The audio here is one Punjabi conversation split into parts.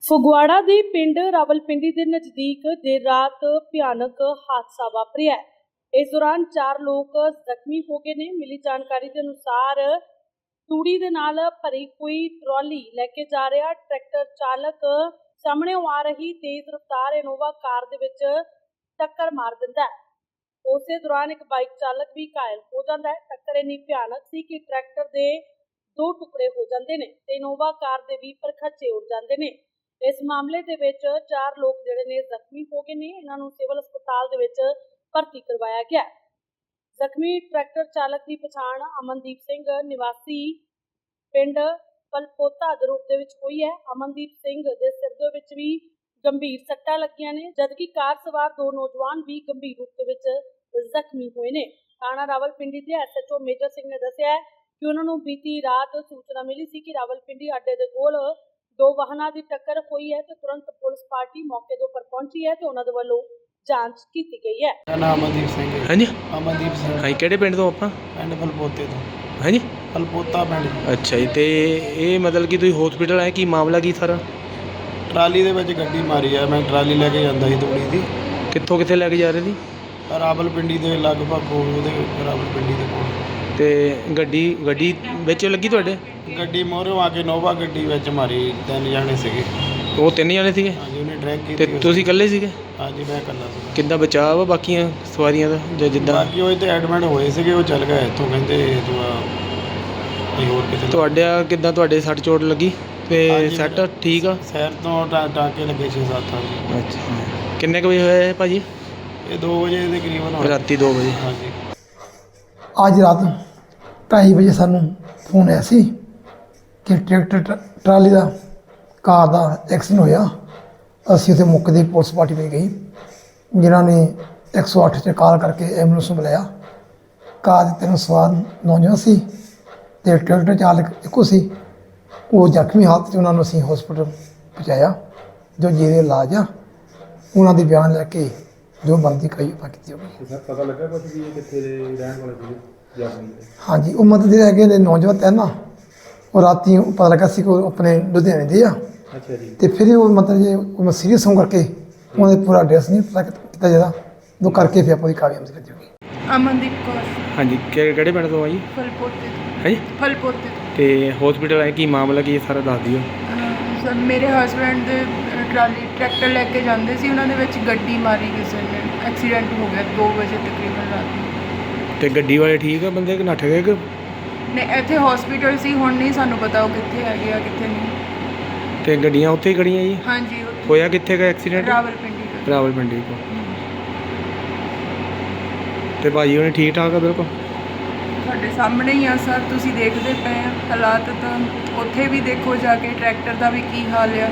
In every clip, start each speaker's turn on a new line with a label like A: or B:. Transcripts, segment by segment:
A: ਫਗਵਾੜਾ ਦੇ ਪਿੰਡ ਰਾਵਲਪਿੰਡੀ ਦੇ ਨਜ਼ਦੀਕ ਦੇਰ ਰਾਤ ਭਿਆਨਕ ਹਾਦਸਾ ਵਾਪਰਿਆ ਹੈ। ਇਸ ਦੌਰਾਨ 4 ਲੋਕ ਜ਼ਖਮੀ ਹੋ ਗਏ ਨੇ। ਮਿਲੀ ਜਾਣਕਾਰੀ ਦੇ ਅਨੁਸਾਰ ਤੂੜੀ ਦੇ ਨਾਲ ਭਰੀ ਕੋਈ ਟਰਾਲੀ ਲੈ ਕੇ ਜਾ ਰਿਹਾ ਟਰੈਕਟਰ ਚਾਲਕ ਸਾਹਮਣੇ ਆ ਰਹੀ ਤੇਜ਼ ਰਫ਼ਤਾਰ ਇਨੋਵਾ ਕਾਰ ਦੇ ਵਿੱਚ ਟੱਕਰ ਮਾਰ ਦਿੰਦਾ ਹੈ। ਉਸੇ ਦੌਰਾਨ ਇੱਕ ਬਾਈਕ ਚਾਲਕ ਵੀ ਘਾਇਲ ਹੋ ਜਾਂਦਾ ਹੈ। ਟੱਕਰ ਇੰਨੀ ਭਿਆਨਕ ਸੀ ਕਿ ਟਰੈਕਟਰ ਦੇ 2 ਟੁਕੜੇ ਹੋ ਜਾਂਦੇ ਨੇ ਤੇ ਇਨੋਵਾ ਕਾਰ ਦੇ ਵੀ ਪਰਖੱਚੇ ਉੱਡ ਜਾਂਦੇ ਨੇ। ਇਸ ਮਾਮਲੇ ਦੇ ਵਿੱਚ 4 ਲੋਕ ਜਿਹੜੇ ਨੇ ਜ਼ਖਮੀ ਹੋ ਗਏ ਨੇ। ਇਹਨਾਂ ਨੂੰ ਸਿਵਲ ਹਸਪਤਾਲ ਦੇ ਵਿੱਚ ਭਰਤੀ ਕਰਵਾਇਆ ਗਿਆ। ਜ਼ਖਮੀ ਟਰੈਕਟਰ ਚਾਲਕ ਦੀ ਪਛਾਣ ਅਮਨਦੀਪ ਸਿੰਘ ਨਿਵਾਸੀ ਪਿੰਡ ਪਲਪੋਤਾ ਦੇ ਰੂਪ ਦੇ ਵਿੱਚ ਹੋਈ ਹੈ। ਅਮਨਦੀਪ ਸਿੰਘ ਦੇ ਸਿਰ ਦੇ ਵਿੱਚ ਵੀ ਗੰਭੀਰ ਸੱਟਾਂ ਲੱਗੀਆਂ ਨੇ, ਜਦਕਿ ਕਾਰ ਸਵਾਰ 2 ਨੌਜਵਾਨ ਵੀ ਗੰਭੀਰ ਰੂਪ ਦੇ ਵਿੱਚ ਜ਼ਖਮੀ ਹੋਏ ਨੇ। ਥਾਣਾ ਰਾਵਲਪਿੰਡੀ ਦੇ ਐਸਐਚਓ ਮੇਜਰ ਸਿੰਘ ਨੇ ਦੱਸਿਆ ਕਿ ਉਹਨਾਂ ਨੂੰ ਬੀਤੀ ਰਾਤ ਸੂਚਨਾ ਮਿਲੀ ਸੀ ਕਿ ਰਾਵਲਪਿੰਡੀ ਅੱਡੇ ਦੇ ਕੋਲ 2 ਵਾਹਨਾਂ ਦੀ ਟੱਕਰ ਹੋਈ ਹੈ ਤੇ ਤੁਰੰਤ ਪੁਲਿਸ ਪਾਰਟੀ ਮੌਕੇ ਦੇ ਉੱਪਰ ਪਹੁੰਚੀ ਹੈ ਤੇ ਉਹਨਾਂ ਦੇ ਵੱਲੋਂ ਜਾਂਚ ਕੀਤੀ ਗਈ ਹੈ।
B: ਮੇਰਾ ਨਾਮ ਅਮਨਦੀਪ ਸਿੰਘ ਹੈ।
C: ਹਾਂਜੀ
B: ਅਮਨਦੀਪ ਸਿੰਘ
C: ਹਾਂਜੀ ਕਿਹੜੇ ਪਿੰਡ ਤੋਂ ਆਪਾਂ?
B: ਪਿੰਡ ਫਲਪੋਤੇ ਤੋਂ।
C: ਹਾਂਜੀ
B: ਫਲਪੋਤਾ ਪਿੰਡ।
C: ਅੱਛਾ ਜੀ। ਤੇ ਇਹ ਮਤਲਬ ਕਿ ਤੁਸੀਂ ਹਸਪੀਟਲ ਆਏ, ਕੀ ਮਾਮਲਾ ਕੀ ਸਾਰਾ?
B: ਟਰਾਲੀ ਦੇ ਵਿੱਚ ਗੱਡੀ ਮਾਰੀ ਆ। ਮੈਂ ਟਰਾਲੀ ਲੈ ਕੇ ਜਾਂਦਾ ਸੀ ਤੂੜੀ ਦੀ।
C: ਕਿੱਥੇ ਲੈ ਕੇ ਜਾ ਰਹੇ ਸੀ?
B: ਰਾਵਲਪਿੰਡੀ ਦੇ ਲਗਭਗ ਕੋਲ, ਉਹਦੇ ਰਾਵਲਪਿੰਡੀ ਦੇ ਕੋਲ।
C: ਤੇ ਗੱਡੀ ਵਿੱਚ ਲੱਗੀ ਤੁਹਾਡੇ?
B: ਗੱਡੀ ਮੋਹਰੋਂ ਆ ਕੇ ਨੋਵਾ ਗੱਡੀ ਵਿੱਚ ਮਾਰੀ। 3 ਜਾਣੇ ਸੀਗੇ।
C: ਉਹ 3 ਜਣੇ ਸੀਗੇ
B: ਹਾਂਜੀ, ਉਹਨੇ ਡਰੈਗ
C: ਤੇ
B: ਕੀਤੀ।
C: ਤੁਸੀਂ ਇਕੱਲੇ ਸੀਗੇ?
B: ਹਾਂਜੀ, ਮੈਂ ਇਕੱਲਾ ਸੀ।
C: ਕਿੱਦਾਂ ਬਚਾਅ ਵਾ ਬਾਕੀਆਂ ਸਵਾਰੀਆਂ ਦਾ ਜਾਂ ਜਿੱਦਾਂ?
B: ਬਾਕੀ ਉਹ ਇੱਥੇ ਐਡਮਿਟ ਹੋਏ ਸੀਗੇ, ਉਹ ਚੱਲ ਗਏ ਇੱਥੋਂ, ਕਹਿੰਦੇ ਕੋਈ ਹੋਰ ਕਿਤੇ।
C: ਤੁਹਾਡੇ ਸੱਟ ਚੋਟ ਲੱਗੀ ਤੇ
B: ਹਾਂਜੀ,
C: ਸੱਟ ਠੀਕ ਆ?
B: ਸ਼ਹਿਰ ਤੋਂ ਟਾਂਕੇ ਲੱਗੇ 6-7। ਹਾਂਜੀ।
C: ਅੱਛਾ। ਕਿੰਨੇ ਕੁ ਵਜੇ ਹੋਇਆ ਇਹ ਭਾਜੀ?
B: ਇਹ 2 ਵਜੇ ਦੇ ਕਰੀਬਨ ਹੋਇਆ।
C: ਰਾਤੀ 2 ਵਜੇ।
B: ਹਾਂਜੀ।
D: ਅੱਜ ਰਾਤ 2:30 ਵਜੇ ਸਾਨੂੰ ਫੋਨ ਆਇਆ ਸੀ ਕਿ ਟਰੈਕਟਰ ਟਰਾਲੀ ਦਾ ਕਾਰ ਦਾ ਐਕਸੀਡੈਂਟ ਹੋਇਆ। ਅਸੀਂ ਉੱਥੇ ਮੌਕੇ ਦੀ ਪੁਲਿਸ ਪਾਰਟੀ ਵਿੱਚ ਗਈ, ਜਿਨ੍ਹਾਂ ਨੇ 108 'ਤੇ ਕਾਲ ਕਰਕੇ ਐਂਬੂਲੈਂਸ ਨੂੰ ਬੁਲਾਇਆ। ਕਾਰ ਦੇ 3 ਸਵਾਰ ਨੌਜਵਾਨ ਸੀ ਅਤੇ ਟਰੈਕਟਰ ਚਾਲਕ ਇੱਕੋ ਸੀ। ਉਹ ਜ਼ਖਮੀ ਹਾਲਤ 'ਚ ਉਹਨਾਂ ਨੂੰ ਅਸੀਂ ਹਸਪੀਟਲ ਪਹੁੰਚਾਇਆ, ਜੋ ਜਿਹਦੇ ਇਲਾਜ ਆ। ਉਹਨਾਂ ਦੇ ਬਿਆਨ ਲੈ ਕੇ ਜੋ ਬਣਦੀ ਕਾਰਵਾਈ ਕੀਤੀ ਜਾਊਗੀ।
E: ਸਰ ਪਤਾ ਲੱਗਾ ਕੁਝ ਵੀ ਇਹ ਕਿੱਥੇ ਦੇ ਰਹਿਣ ਵਾਲੇ ਸੀਗੇ ਜ਼ਖਮੀ ਦੇ?
D: ਹਾਂਜੀ, ਉਹ ਮਤਲਬ ਜਿਹੜੇ ਹੈਗੇ ਨੇ ਨੌਜਵਾਨ ਤੈਨ ਨਾ, ਉਹ ਰਾਤੀ ਪਤਾ ਲੱਗਾ ਸੀ ਕਿ ਉਹ ਆਪਣੇ ਲੁਧਿਆਣੇ ਦੇ ਆ।
E: ਅੱਛਾ ਜੀ।
D: ਤੇ ਫਿਰ ਉਹ ਮਤਲਬ ਜੇ ਉਹ ਸੀਰੀਅਸ ਹੋਣ ਕਰਕੇ ਉਹਨਾਂ ਦੇ ਪੂਰਾ ਐਡਰੈਸ ਨਹੀਂ ਪਤਾ ਕੀਤਾ ਜਾਂਦਾ, ਉਹ ਕਰਕੇ ਫਿਰ ਆਪਾਂ ਦੀ ਕਾਰਵਾਈ ਕਰ ਜਾਊਗੀ।
F: ਅਮਨਦੀਪ ਕੌਰ।
C: ਹਾਂਜੀ ਕਿਹੜੇ ਪਿੰਡ ਤੋਂ ਆ ਜੀ?
F: ਫਲਪੋਤੇ ਤੋਂ।
C: ਹਾਂਜੀ।
F: ਫਲਪੋਤੇ ਤੋਂ।
C: ਤੇ ਹਸਪੀਟਲ ਆਏ, ਕੀ ਮਾਮਲਾ ਕੀ ਸਾਰਾ ਦੱਸ ਦਿਓ।
F: ਸਰ ਮੇਰੇ ਹਸਬੈਂਡ ਦੇ ਟਰੈਕਟਰ ਲੈ ਕੇ ਜਾਂਦੇ ਸੀ, ਉਹਨਾਂ ਦੇ ਵਿੱਚ ਗੱਡੀ ਮਾਰੀ ਕਿਸੇ ਨੇ। ਐਕਸੀਡੈਂਟ ਹੋ ਗਿਆ 2 ਵਜੇ ਤਕਰੀਬਨ ਰਾਤ ਨੂੰ।
C: ਤੇ ਗੱਡੀ ਵਾਲੇ ਠੀਕ ਆ ਬੰਦੇ ਕਿ ਨੱਠ ਗਏ ਕਿ?
F: ਨੇ ਇੱਥੇ ਹਸਪੀਟਲ ਸੀ, ਹੁਣ ਨਹੀਂ ਸਾਨੂੰ ਪਤਾ ਉਹ ਕਿੱਥੇ ਹੈਗੇ ਆ ਕਿੱਥੇ ਨਹੀਂ।
C: ਤੇ ਗੱਡੀਆਂ ਉੱਥੇ ਹੀ ਖੜੀਆਂ ਜੀ?
F: ਹਾਂਜੀ ਉੱਥੇ।
C: ਹੋਇਆ ਕਿੱਥੇ ਦਾ ਐਕਸੀਡੈਂਟ?
F: ਰਾਵਲਪਿੰਡੀ ਦਾ।
C: ਰਾਵਲਪਿੰਡੀ ਕੋਲ। ਤੇ ਭਾਜੀ ਉਹਨੇ ਠੀਕ ਠਾਕ ਆ ਬਿਲਕੁਲ?
F: ਤੁਹਾਡੇ ਸਾਹਮਣੇ ਹੀ ਆ ਸਰ, ਤੁਸੀਂ ਦੇਖਦੇ ਪਏ ਆ ਹਾਲਾਤ। ਤਾਂ ਉੱਥੇ ਵੀ ਦੇਖੋ ਜਾ ਕੇ ਟਰੈਕਟਰ ਦਾ ਵੀ ਕੀ ਹਾਲ ਆ।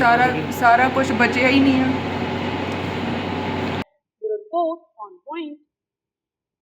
F: ਸਾਰਾ ਕੁਝ ਬਚਿਆ ਹੀ ਨਹੀਂ ਆ।
A: Report on point.